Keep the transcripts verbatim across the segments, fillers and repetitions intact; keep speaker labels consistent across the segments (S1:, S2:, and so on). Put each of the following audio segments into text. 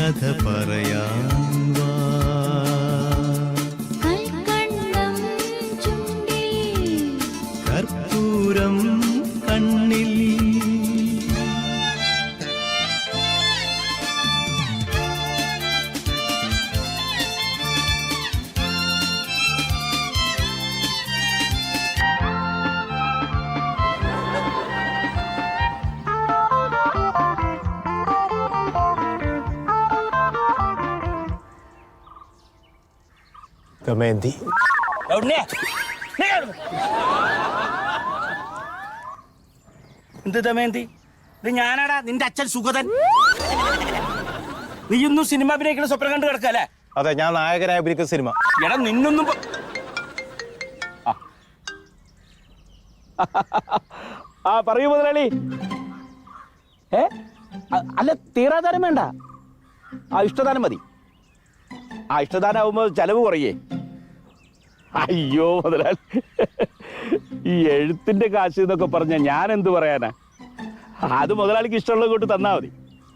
S1: കഥ പറയാൻ വാ. കർപ്പൂരം കണ്ണിൽ
S2: ദമയന്തി.
S3: എന്ത് ദമയന്തി? ഇത് ഞാനാടാ നിന്റെ അച്ഛൻ സുഗതൻ. നീ ഇന്നും സിനിമ അഭിനയിക്കുന്ന സ്വപ്നം കണ്ടു കിടക്കല്ലേ?
S2: അതെ, ഞാൻ നായകനായി അഭിനയിക്കുന്ന സിനിമ.
S3: എടാ നിന്നൊന്നും
S4: ആ പറയൂ മുതലാളി. ഏ അല്ല, തീരാദാനം വേണ്ട, ആ ഇഷ്ടദാനം മതി. ആ ഇഷ്ടദാനം ആവുമ്പോ ചെലവ് കുറയേ. അയ്യോ മുതലാളി, ഈ എഴുത്തിന്റെ കാശ് എന്നൊക്കെ പറഞ്ഞ ഞാൻ എന്ത് പറയാനാ? അത് മുതലാളിക്ക് ഇഷ്ടമുള്ളത് കൊണ്ട് തന്നാ മതി.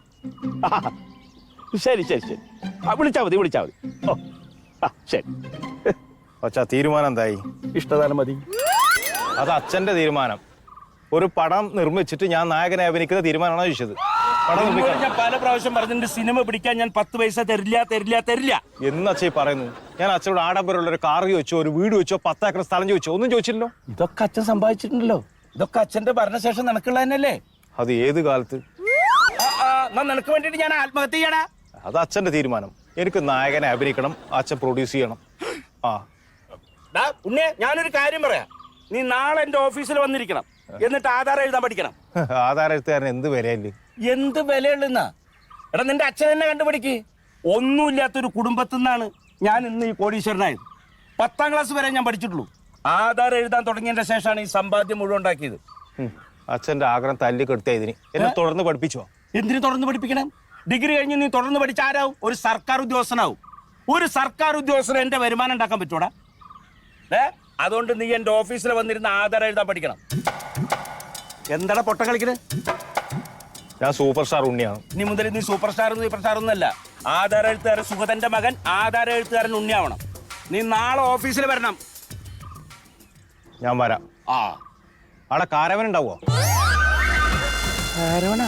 S4: ശരി ശരി ശരി, വിളിച്ചാ മതി വിളിച്ചാ മതി. ഓ ആ ശരി.
S2: അച്ഛാ, തീരുമാനം എന്തായി?
S4: ഇഷ്ടദാനം മതി.
S2: അത് അച്ഛന്റെ തീരുമാനം. ഒരു പടം നിർമ്മിച്ചിട്ട് ഞാൻ നായകനെ അഭിനയിക്കുന്ന തീരുമാനമാണോ ചോദിച്ചത്? പടം നിർമ്മിക്കാൻ
S3: ഞാൻ പല പ്രാവശ്യം പറഞ്ഞിട്ടുണ്ട്, സിനിമ പിടിക്കാൻ ഞാൻ പത്ത് പൈസ തരില്ല തരില്ല തരില്ല
S2: എന്ന് അച്ഛൻ പറയുന്നു. ഞാൻ അച്ഛനോട് ആഡംബരമുള്ള ഒരു കാർ ചോദിച്ചോ, ഒരു വീട് വെച്ചോ, പത്തേക്കർ സ്ഥലം ചോദിച്ചോ, ഒന്നും ചോദിച്ചില്ലല്ലോ.
S3: ഇതൊക്കെ അച്ഛൻ സമ്പാദിച്ചിട്ടുണ്ടല്ലോ. ഇതൊക്കെ അച്ഛന്റെ ഭരണശേഷം നിനക്കുള്ള തന്നെയല്ലേ?
S2: അത് ഏത് കാലത്ത്?
S3: നിനക്ക് വേണ്ടിട്ട് ഞാൻ ആത്മഹത്യ ചെയ്യണ.
S2: അത് അച്ഛന്റെ തീരുമാനം. എനിക്ക് നായകനെ അഭിനയിക്കണം, അച്ഛൻ പ്രൊഡ്യൂസ് ചെയ്യണം. ആ
S3: ഉണ്ണേ, ഞാനൊരു കാര്യം പറയാം. നീ നാളെ എന്റെ ഓഫീസിൽ വന്നിരിക്കണം, എന്നിട്ട് ആധാരം എഴുതാൻ പഠിക്കണം.
S2: ആധാരം എഴുത്തുകാരൻ എന്ത് വിലയല്ലേ?
S3: എന്ത് വിലയുള്ളെന്നാ? എടാ നിന്റെ അച്ഛൻ തന്നെ കണ്ടുപിടിക്ക്. ഒന്നുമില്ലാത്തൊരു കുടുംബത്തിൽ നിന്നാണ് ഞാൻ ഇന്ന് ഈ കോടീശ്വരനായത്. പത്താം ക്ലാസ് വരെ ഞാൻ പഠിച്ചിട്ടുള്ളൂ. ആധാരം എഴുതാൻ തുടങ്ങിയതിന്റെ ശേഷമാണ് ഈ സമ്പാദ്യം മുഴുവൻ ഉണ്ടാക്കിയത്.
S2: അച്ഛന്റെ ആഗ്രഹം തല്ലി കെടുത്തിയ ഇതിന് എന്നെ തുടർന്ന് പഠിപ്പിച്ചോ?
S3: എന്തിനു തുടർന്ന് പഠിപ്പിക്കണം? ഡിഗ്രി കഴിഞ്ഞ് നീ തുടർന്ന് പഠിച്ച ആരാവും? ഒരു സർക്കാർ ഉദ്യോഗസ്ഥനാവും. ഒരു സർക്കാർ ഉദ്യോഗസ്ഥന് എന്റെ വരുമാനം ഉണ്ടാക്കാൻ പറ്റൂടാ? ഏ അതുകൊണ്ട് നീ എന്റെ ഓഫീസിൽ വന്നിരുന്ന ആധാരം എഴുതാൻ പഠിക്കണം. എന്താടാ പൊട്ട കളിക്കണേ?
S2: ഞാൻ സൂപ്പർ സ്റ്റാർ ഉണ്ണിയാണ്.
S3: ഇനി മുതൽ നീ സൂപ്പർ സ്റ്റാർ സൂപ്പർ സ്റ്റാർ ഒന്നല്ല. ആധാര എഴുത്തുകാരൻ സുഗതന്റെ മകൻ ആധാര എഴുത്തുകാരൻ ഉണ്ണിയാവണം. നീ നാളെ ഓഫീസിൽ വരണം.
S2: ഞാൻ വരാം.
S3: ആ
S2: അവിടെ കാരവൻ ഉണ്ടാവോ?
S3: കാരവനാ?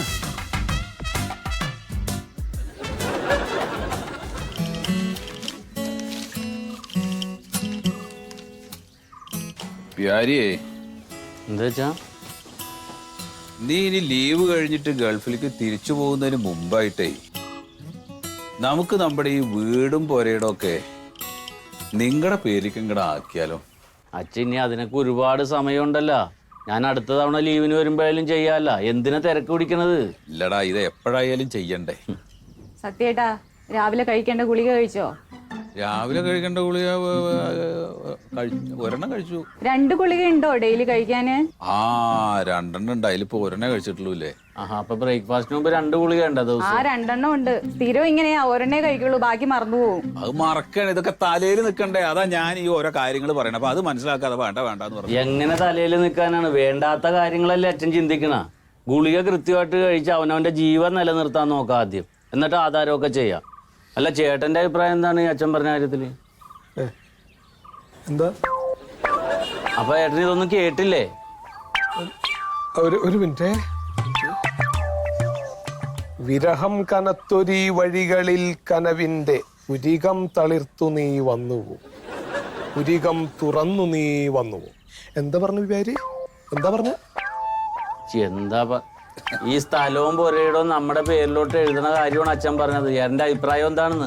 S5: പ്യാരിയേ,
S6: എന്താ വെച്ചാ
S5: നീ ഇനി ലീവ് കഴിഞ്ഞിട്ട് ഗൾഫിലേക്ക് തിരിച്ചു പോകുന്നതിന് മുമ്പായിട്ടേ നമുക്ക് നമ്മുടെ ഈ വീടും പുരയിടം ഒക്കെ നിങ്ങളുടെ പേരിലേക്ക് ഇങ്ങടെ ആക്കിയാലോ?
S6: അച്ഛൻ ഇനി അതിനൊക്കെ ഒരുപാട് സമയമുണ്ടല്ലോ. ഞാൻ അടുത്ത തവണ ലീവിന് വരുമ്പോഴായാലും ചെയ്യാല്ല. എന്തിനാ തിരക്ക് പിടിക്കണത്?
S5: ഇല്ലടാ, ഇത് എപ്പോഴായാലും ചെയ്യണ്ടേ.
S7: സത്യേട്ടാ, രാവിലെ കഴിക്കേണ്ട ഗുളിക കഴിച്ചോ?
S5: രാവിലെ കഴിക്കേണ്ട ഗുളിക ഒരെണ്ണം കഴിച്ചു.
S7: രണ്ട് ഗുളിക ഉണ്ടോ ഡെയിലി കഴിക്കാന്?
S5: ആ രണ്ടെണ്ണം ഉണ്ട്, അതിലിപ്പോ ഒരെണ്ണേ കഴിച്ചിട്ടുള്ളൂ അല്ലേ?
S6: ആഹാ, അപ്പൊ ബ്രേക്ക്ഫാസ്റ്റിന് മുമ്പ് രണ്ട് ഗുളിക ഉണ്ടോ ദിവസം?
S7: ആ രണ്ടെണ്ണം ഉണ്ട്. സ്ഥിരം ഇങ്ങനെയാ, ഒരെണ്ണേ കഴിക്കുള്ളൂ, ബാക്കി മറന്നുപോകും.
S5: അത് മറക്കണേ, ഇതൊക്കെ തലയിൽ നിൽക്കണ്ടേ. അതാ ഞാൻ ഈ ഓരോ കാര്യങ്ങൾ പറയണേ. അപ്പൊ അത് മനസ്സിലാക്കാതെ വേണ്ട വേണ്ടെന്ന് പറഞ്ഞു.
S6: എങ്ങനെ തലയിൽ നിൽക്കാനാണ്? വേണ്ടാത്ത കാര്യങ്ങളല്ലേ അച്ഛൻ ചിന്തിക്കണ. ഗുളിക കൃത്യമായിട്ട് കഴിച്ച് അവനവന്റെ ജീവൻ നിലനിർത്താൻ നോക്കാം ആദ്യം, എന്നിട്ട് ആധാരമൊക്കെ ചെയ്യാം. അല്ല, ചേട്ടന്റെ അഭിപ്രായം എന്താണ് ഈ അച്ഛൻ പറഞ്ഞ കാര്യത്തില്?
S8: എന്താ?
S6: അപ്പൊ ഏട്ടൻ ഇതൊന്നും കേട്ടില്ലേ?
S8: ഒരു ഒരു മിനിറ്റ്. വിരഹം കനത്തൊരീ വഴികളിൽ കനവിന്റെ പുരികം തളിർത്തു നീ വന്നുവോ, പുരികം തുറന്നു നീ വന്നുവോ. എന്താ പറഞ്ഞു പേര്? എന്താ പറഞ്ഞ?
S6: എന്താ ഈ സ്ഥലവും പുരയിടവും നമ്മുടെ പേരിലോട്ട് എഴുതുന്ന കാര്യമാണ് അച്ഛൻ പറഞ്ഞത്. എന്റെ അഭിപ്രായം എന്താണെന്ന്?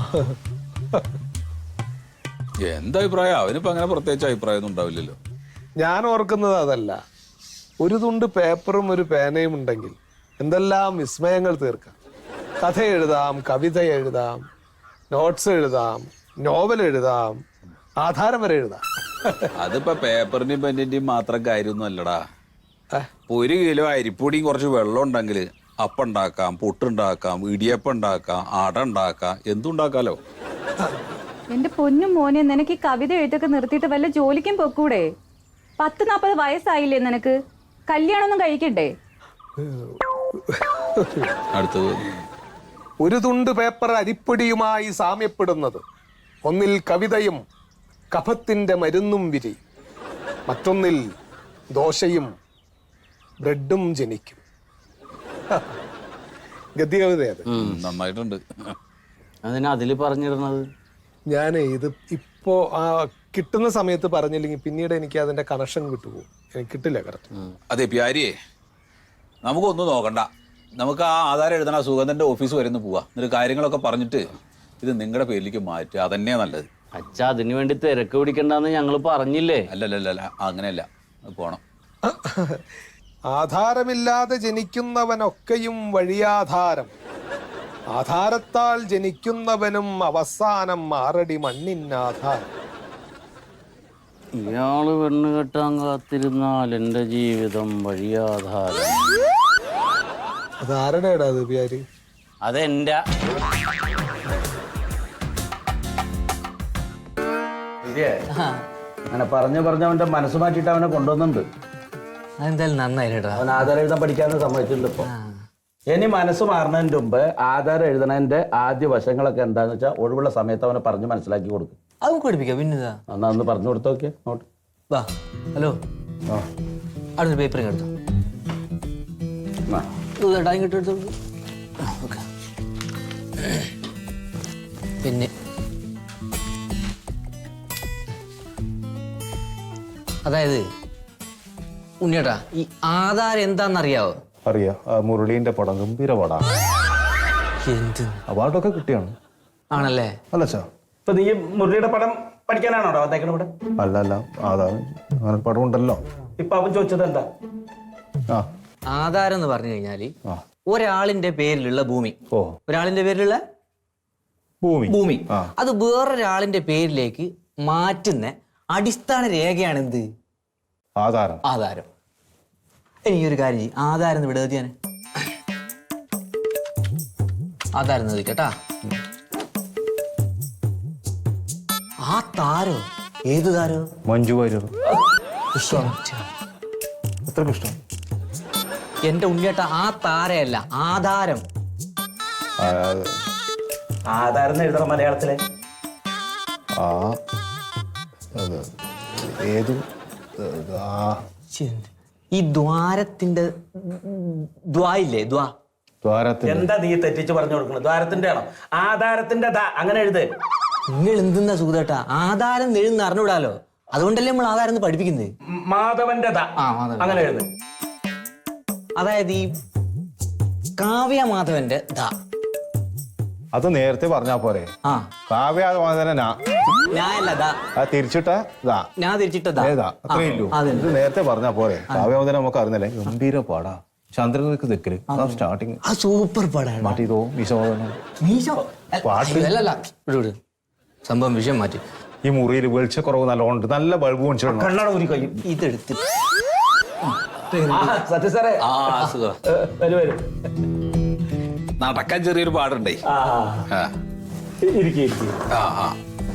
S5: എന്താ അഭിപ്രായം? അവനിപ്പോ അങ്ങനെ പ്രത്യേകിച്ച് അഭിപ്രായം ഒന്നും ഉണ്ടാവില്ലല്ലോ.
S8: ഞാൻ ഓർക്കുന്നത് അതല്ല. ഒരു തുണ്ട് പേപ്പറും ഒരു പേനയും ഉണ്ടെങ്കിൽ എന്തെല്ലാം വിസ്മയങ്ങൾ തീർക്കാം. കഥ എഴുതാം, കവിത എഴുതാം, നോട്ട്സ് എഴുതാം, നോവൽ എഴുതാം, ആധാരം വരെ എഴുതാം.
S5: അതിപ്പോ പേപ്പറിന്റെയും പെന്നിന്റെയും മാത്രം കാര്യമൊന്നും അല്ലടാ. ഒരു കിലോ അരിപ്പൊടിയും കുറച്ച് വെള്ളം ഉണ്ടെങ്കിൽ അപ്പം ഉണ്ടാക്കാം, പുട്ടുണ്ടാക്കാം, ഇടിയപ്പം ഉണ്ടാക്കാം, അട ഉണ്ടാക്കാം, എന്തുണ്ടാക്കാലോ.
S7: എന്റെ പൊന്നും മോനെ, നിനക്ക് ഈ കവിത എഴുത്തൊക്കെ നിർത്തിയിട്ട് വല്ല ജോലിക്കും പൊക്കൂടെ? പത്ത് നാപ്പത് വയസ്സായില്ലേ നിനക്ക്? കല്യാണമൊന്നും കഴിക്കണ്ടേ?
S5: അടുത്തത്
S8: ഒരു തുണ്ട് പേപ്പർ അരിപ്പൊടിയുമായി സാമ്യപ്പെടുന്നത് ഒന്നിൽ കവിതയും കഫത്തിന്റെ മരുന്നും വിരി, മറ്റൊന്നിൽ ദോശയും ബ്രെഡും ജനിക്കും. ഗദ്യകവിതയത്.
S5: നന്നായിട്ടുണ്ട്.
S6: അതിന് അതില് പറഞ്ഞിരുന്നത്
S8: ഞാൻ ഇത് ഇപ്പോ ആ കിട്ടുന്ന സമയത്ത് പറഞ്ഞില്ലെങ്കിൽ പിന്നീട് എനിക്ക് അതിന്റെ കണക്ഷൻ വിട്ടുപോകും. എനിക്ക് കിട്ടില്ല കറക്റ്റ്.
S5: അതെ പ്യാരിയെ, നമുക്കൊന്നും നോക്കണ്ട. നമുക്ക് ആ ആധാരം എഴുതണ സുഗന്ധന്റെ ഓഫീസ് വരെ ഒന്ന് പോവാ. എന്നിട്ട് കാര്യങ്ങളൊക്കെ പറഞ്ഞിട്ട് ഇത് നിങ്ങളുടെ പേരിലേക്ക് മാറ്റുക. അതന്നെയാ നല്ലത്.
S6: അച്ഛ അതിനു വേണ്ടി തിരക്ക് പിടിക്കണ്ടെന്ന് ഞങ്ങൾ പറഞ്ഞില്ലേ?
S5: അല്ലല്ലല്ല, അങ്ങനെയല്ല, പോണം.
S8: ആധാരമില്ലാതെ ജനിക്കുന്നവനൊക്കെയും വഴിയാധാരം, ആധാരത്താൽ ജനിക്കുന്നവനും അവസാനം ആറടി മണ്ണിനാധാരം.
S6: ഇയാള് പെണ്ണ് കെട്ടാൻ കാത്തിരുന്നാൽ എന്റെ ജീവിതം വഴിയാധാരം.
S8: അതാരുടെടാ അത് പ്യാര്?
S6: അതെന്റെ.
S4: അങ്ങനെ പറഞ്ഞു പറഞ്ഞ അവന്റെ മനസ്സ് മാറ്റിയിട്ട് അവനെ കൊണ്ടുവന്നുണ്ട്.
S9: അതെന്തായാലും നന്നായിട്ടാ.
S4: അവൻ ആധാരം എഴുതാൻ പഠിക്കാന്ന് സമ്മതിച്ചിട്ടുണ്ട് ഇപ്പൊ. ഇനി മനസ്സ് മാറുന്നതിന്റെ മുമ്പ് ആധാരം എഴുതണതിന്റെ ആദ്യ വശങ്ങളൊക്കെ എന്താന്ന് വെച്ചാൽ ഒഴിവുള്ള സമയത്ത് അവനെ പറഞ്ഞ് മനസ്സിലാക്കി കൊടുക്കും.
S9: അത് നമുക്ക് പഠിപ്പിക്കാം. പിന്നെതാ
S4: എന്നാ ഒന്ന് പറഞ്ഞു കൊടുത്തു നോക്കിയേ നോട്ട്.
S9: വാ. ഹലോ,
S4: ആ
S9: അവിടെ പേപ്പർ എടുത്തു.
S4: ആ.
S9: ഇങ്ങോട്ട് എടുത്തു. ഓക്കെ. പിന്നെ അതായത് ഉണ്ണിയേട്ടാ, ഈ ആധാരം എന്താണെന്നറിയാവോ?
S2: അറിയാം. ആ മുരളീന്റെ പടം ഗംഭീര പടാണ്.
S9: എന്ത്
S2: അവാർഡൊക്കെ കിട്ടിയാണ്.
S9: ആണല്ലേ?
S2: അല്ല ചാ,
S4: ഇപ്പൊ നീ മുരളിയുടെ പടം പഠിക്കാനാണോ അതേക്കണ ഇവിടെ?
S2: അല്ല അല്ല, അതാണ് അങ്ങനെ പടം ഉണ്ടല്ലോ.
S4: ഇപ്പൊ അവൻ ചോദിച്ചത് എന്താ?
S2: ആ
S9: ആധാരം എന്ന് പറഞ്ഞു കഴിഞ്ഞാല്
S2: ആ.
S9: ഒരാളിന്റെ പേരിലുള്ള ഭൂമി.
S2: ഓ,
S9: ഒരാളിന്റെ പേരിലുള്ള
S2: ഭൂമി
S9: ഭൂമി
S2: ആ.
S9: അത് വേറൊരാളിന്റെ പേരിലേക്ക് മാറ്റുന്ന അടിസ്ഥാന രേഖയാണ് എന്ത്?
S2: ആധാരം.
S9: ആധാരം. എനിക്കൊരു കാര്യം ചെയ്യും, ആധാരം എന്ന് വിടുക ഞാൻ. ആധാരം എന്ന് കേട്ടാ. ആ താരോ? ഏത് താരോ?
S2: മഞ്ജു വാര്യർ.
S9: ഇഷ്ടം.
S2: എത്ര ഇഷ്ടം.
S9: എന്റെ ഉണ്ണിയേട്ട, ആ താരയല്ല, ആധാരം.
S2: ആ,
S4: ആധാരം എഴുതണം മലയാളത്തിലെ.
S2: ആ അത് ഏത് ആ
S9: ശ്ശെ, ഈ ദ്വാരത്തിന്റെ ദ്വായില്ലേ? ദ്വാ.
S2: ദ്വാരത്തിന്റെ.
S4: എന്താ നീ തെറ്റിച്ച് പറഞ്ഞു കൊടുക്കുന്നത്? ദ്വാരത്തിന്റെ ആണോ? ആധാരത്തിന്റെ ദാ അങ്ങനെ എഴുത്.
S9: നിങ്ങൾ എന്തെന്നാ സുഖേട്ടാ? ആധാരം എഴുന്ന് അറിഞ്ഞുവിടാലോ. അതുകൊണ്ടല്ലേ നമ്മൾ ആധാരം എന്ന് പഠിപ്പിക്കുന്നത്.
S4: മാധവന്റെ ദാ
S9: ആ, മാധവൻ.
S4: അങ്ങനെ എഴുത്.
S9: അതായത് ഈ കാവ്യ മാധവന്റെ ദാ.
S2: അത് നേരത്തെ പറഞ്ഞാ പോരെ.
S9: ആ,
S2: കാവ്യാതമാതന
S9: ഞാനല്ല ദാ.
S2: തിരിച്ചിട്ട ഇതാ
S9: ഞാൻ തിരിച്ചിട്ടതാ.
S2: ഏതാ അത്രേ ഇല്ലൂ.
S9: അതെ.
S2: ഇത് നേരത്തെ പറഞ്ഞാ പോരെ. കാവ്യാവതന നമുക്ക് അറിഞ്ഞല്ലേ. ഗംഭീര പാടാ. ചന്ദ്രനിക്ക് തെക്കല് സ്റ്റാർട്ടിങ്
S9: ആ സൂപ്പർ പടാണ്.
S2: മാറ്റിതോ വിശോധന
S9: മീശോ.
S2: പാട്ട്.
S9: അല്ലല്ല, വിട് വിട്. സംഭവം വിഷയം മാറ്റി.
S2: ഈ മുറിയിൽ വെളിച്ചക്കുറവ് നല്ലോണ്ട്. നല്ല ബൾബ് വെച്ചിടണം.
S4: കണ്ണട ഊരി കഴിയും.
S9: ഇതെടുത്ത്
S4: സത്യ സാറേ.
S5: ആ സുഖം.
S4: വരൂ വരൂ.
S5: നടക്കാൻ ചെറിയൊരു പാടുണ്ടേ.
S4: ആ
S5: ആ
S4: ഇരിക്കും ഇരിക്കും.
S5: ആ ആ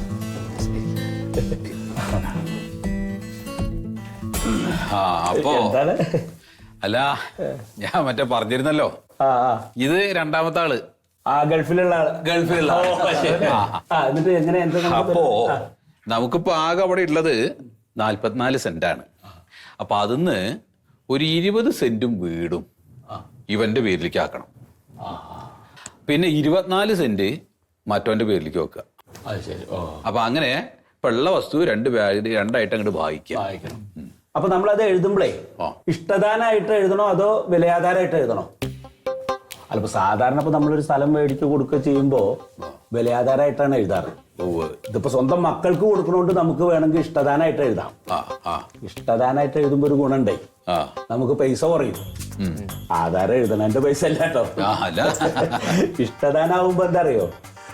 S5: ആ അപ്പോ
S4: എന്താണ്?
S5: അല്ല, ഞാൻ മറ്റേ പറഞ്ഞിരുന്നല്ലോ,
S4: ആ ആ
S5: ഇത് രണ്ടാമത്തെ ആള്.
S4: ആ ഗൾഫിലുള്ള ആള്.
S5: ഗൾഫിലുള്ള
S4: ഓ, ശരി.
S5: ആ,
S4: ആ, എന്നിട്ട് എങ്ങനെ എന്താ നമുക്ക്
S5: അപ്പോ
S4: ആ.
S5: നമുക്കിപ്പോ ആകെ അവിടെ ഉള്ളത് നാല്പത്തിനാല് സെന്റാണ്. അപ്പൊ അതിന്ന് ഒരു ഇരുപത് സെന്റും വീടും ഇവന്റെ പേരിലേക്ക് ആക്കണം. പിന്നെ ഇരുപത്തിനാല് സെന്റ് മറ്റവന്റെ പേരിലേക്ക് വെക്കുക.
S6: അത് ശരി. ഓ,
S5: അപ്പൊ അങ്ങനെ ഇപ്പൊ ഉള്ള വസ്തു രണ്ട് പേര് രണ്ടായിട്ട് അങ്ങോട്ട് വായിക്കാം.
S6: വായിക്കണം.
S4: അപ്പൊ നമ്മളത് എഴുതുമ്പോഴേ
S5: ആ.
S4: ഇഷ്ടദാനായിട്ട് എഴുതണോ അതോ വിലയാധാരമായിട്ട് എഴുതണോ? അല്ല, ഇപ്പൊ സാധാരണ ഇപ്പൊ നമ്മളൊരു സ്ഥലം മേടിച്ച് കൊടുക്കുക ചെയ്യുമ്പോ വിലയാധാരമായിട്ടാണ് എഴുതാറ്.
S5: ഉവ്വ്.
S4: ഇതിപ്പോ സ്വന്തം മക്കൾക്ക് കൊടുക്കണോണ്ട് നമുക്ക് വേണമെങ്കിൽ ഇഷ്ടദാനായിട്ട് എഴുതാം.
S5: ആ ആ
S4: ഇഷ്ടദാനായിട്ട് എഴുതുമ്പോ ഒരു ഗുണുണ്ടേ,
S5: ആ
S4: നമുക്ക് പൈസ കുറയും. ആധാരം എഴുതണതിന്റെ പൈസ അല്ല കേട്ടോ.
S5: ആ, അല്ല.
S4: ഇഷ്ടദാനാവുമ്പോ എന്താ അറിയോ,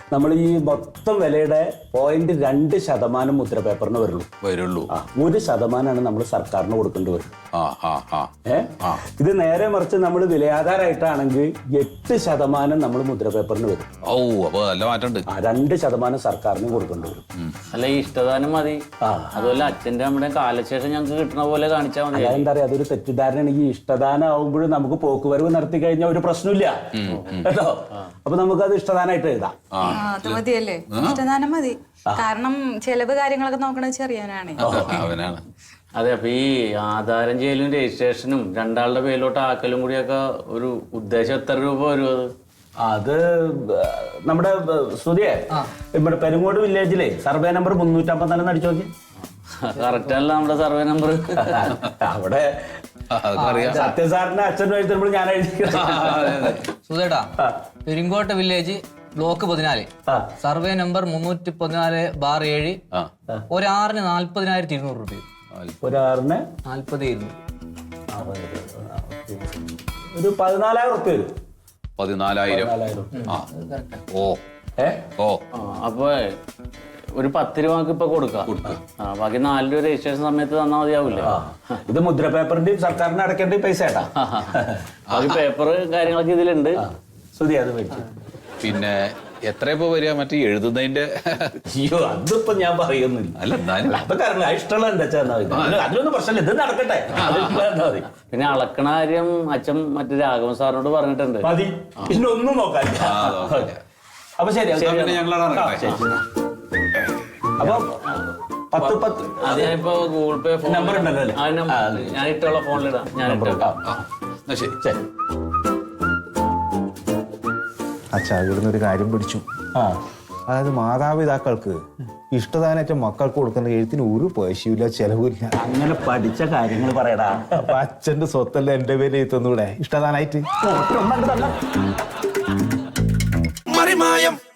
S4: നമ്മൾ ഈ മൊത്തം വിലയുടെ പോയിന്റ് രണ്ട് ശതമാനം മുദ്ര പേപ്പറിന് വരുള്ളൂ
S5: വരുള്ളൂ.
S4: ആ ഒരു ശതമാനമാണ് നമ്മൾ സർക്കാരിന് കൊടുക്കേണ്ടി വരും.
S5: ആ ആ ആ
S4: ഏ ഇത് നേരെ മറിച്ച് നമ്മൾ വിലയാധാരമായിട്ടാണെങ്കിൽ എട്ട് ശതമാനം നമ്മൾ മുദ്ര പേപ്പറിന് വരും.
S5: ഓ അപ്പൊ നല്ല മാറ്റമുണ്ട്.
S4: ആ രണ്ട് ശതമാനം സർക്കാരിന് കൊടുക്കേണ്ടി വരും.
S6: അല്ല ഈ ഇഷ്ടദാനം മതി. അതുപോലെ അച്ഛന്റെ നമ്മുടെ കാലശേഷം ഞങ്ങൾക്ക് കിട്ടുന്ന പോലെ കാണിച്ചാൽ മതി.
S4: അതെന്താ പറയാ, അതൊരു തെറ്റിദ്ധാരണയാണ്. ഈ ഇഷ്ടദാനം ആവുമ്പോഴും നമുക്ക് പോക്കുവരവ് നടത്തി കഴിഞ്ഞാൽ ഒരു പ്രശ്നമില്ല കേട്ടോ. അപ്പൊ നമുക്കത് ഇഷ്ടദാനമായിട്ട് എഴുതാം.
S7: അത് മതിയല്ലേ, ഇഷ്ടദാനം മതി. കാരണം ചെലവ് കാര്യങ്ങളൊക്കെ നോക്കണത് ചെറിയവനാണ്.
S5: അവനാണ്.
S6: അതെ, അപ്പൊ ഈ ആധാരം ചെയ്യലും രജിസ്ട്രേഷനും രണ്ടാളുടെ പേരിലോട്ട് ആക്കലും കൂടിയൊക്കെ ഒരു ഉദ്ദേശം എത്ര രൂപ വരും അത്?
S4: അത് നമ്മുടെ സ്തുതിയെ ഇവിടെ പെരുങ്ങോട് വില്ലേജിലെ സർവേ നമ്പർ മുന്നൂറ്റമ്പത്തിനാലെന്ന് അടിച്ചു നോക്കി.
S6: കറക്റ്റ് അല്ല നമ്മുടെ സർവേ നമ്പർ.
S4: അവിടെ സത്യസാറിന്റെ അച്ഛൻ എഴുതുമ്പോൾ ഞാൻ എഴുതി.
S10: സുധേട്ടാ, പെരിങ്കോട്ട് വില്ലേജ് ബ്ലോക്ക് പതിനാല്, സർവേ നമ്പർ മുന്നൂറ്റി പതിനാല് ബാർ ഏഴ്, ഒരാറിന് നാല്പതിനായിരത്തി ഇരുന്നൂറ് രൂപ.
S4: ഒരാറിന്
S10: നാല്പത് ഇരുന്നൂറ്
S4: ഒരു പതിനാലായിരം ഉറുപ്പ്യ വരും.
S5: പതിനാലായിരം. ആ ഓ
S4: ഏ
S5: ഓ
S6: അപ്പൊ ഒരു പത്ത് രൂപക്ക് ഇപ്പൊ കൊടുക്കാം. ബാക്കി നാല് രൂപ രജിസ്ട്രേഷൻ സമയത്ത് തന്നാൽ മതിയാവില്ലേ?
S4: ഇത് മുദ്ര പേപ്പറിന്റെയും സർക്കാരിന് അടക്കേണ്ട പൈസ ഏട്ടാ.
S6: ബാക്കി പേപ്പർ കാര്യങ്ങളൊക്കെ ഇതിലുണ്ട്.
S4: സ്തുതി അത് മേടിച്ചു.
S5: പിന്നെ എത്ര ഇപ്പൊ വരിക മറ്റേ എഴുതുന്നതിന്റെ?
S4: അയ്യോ അതിപ്പോ ഞാൻ പറയുന്നില്ല.
S5: അല്ല എന്നാലും
S4: അപ്പൊ കാരണം ഇഷ്ടമുള്ള എന്താ വെച്ചാൽ അതിലൊന്നും പ്രശ്നമില്ല, ഇത് നടക്കട്ടെ. മതി
S6: പിന്നെ അളക്കണ കാര്യം അച്ഛൻ മറ്റേ രാഘവൻ സാറിനോട് പറഞ്ഞിട്ടുണ്ട്.
S4: മതി, പിന്നെ ഒന്നും നോക്കാനില്ല. അപ്പൊ ശരി,
S5: പിന്നെ ഞങ്ങളാണ് ഇറങ്ങട്ടെ.
S4: അപ്പൊ പത്ത് പത്ത്
S6: അത് ഞാനിപ്പോ ഗൂഗിൾ പേ ഫോൺ
S4: നമ്പർ ഉണ്ടല്ലോ അല്ലേ?
S6: ആ നമ്പർ ഞാൻ ഇട്ടുള്ള ഫോണിലിടാം. ഞാൻ ഇട്ടേക്കാം.
S5: എന്നാ ശരി.
S4: ശരി.
S2: അച്ഛാ ഇവിടുന്ന് ഒരു കാര്യം പിടിച്ചു.
S4: ആ
S2: അതായത് മാതാപിതാക്കൾക്ക് ഇഷ്ടദാനേറ്റ മക്കൾക്ക് കൊടുക്കുന്ന എഴുത്തിന് ഒരു പൈസയില്ല, ചെലവില്ല.
S4: അങ്ങനെ പഠിച്ച കാര്യങ്ങൾ പറയടാ.
S2: അപ്പൊ അച്ഛന്റെ സ്വത്തല്ല എന്റെ പേര് എഴുത്തുന്നൂടെ ഇഷ്ടദാനായിട്ട്?
S4: ഒന്നണ്ട് തന്നെ
S1: മറിമായം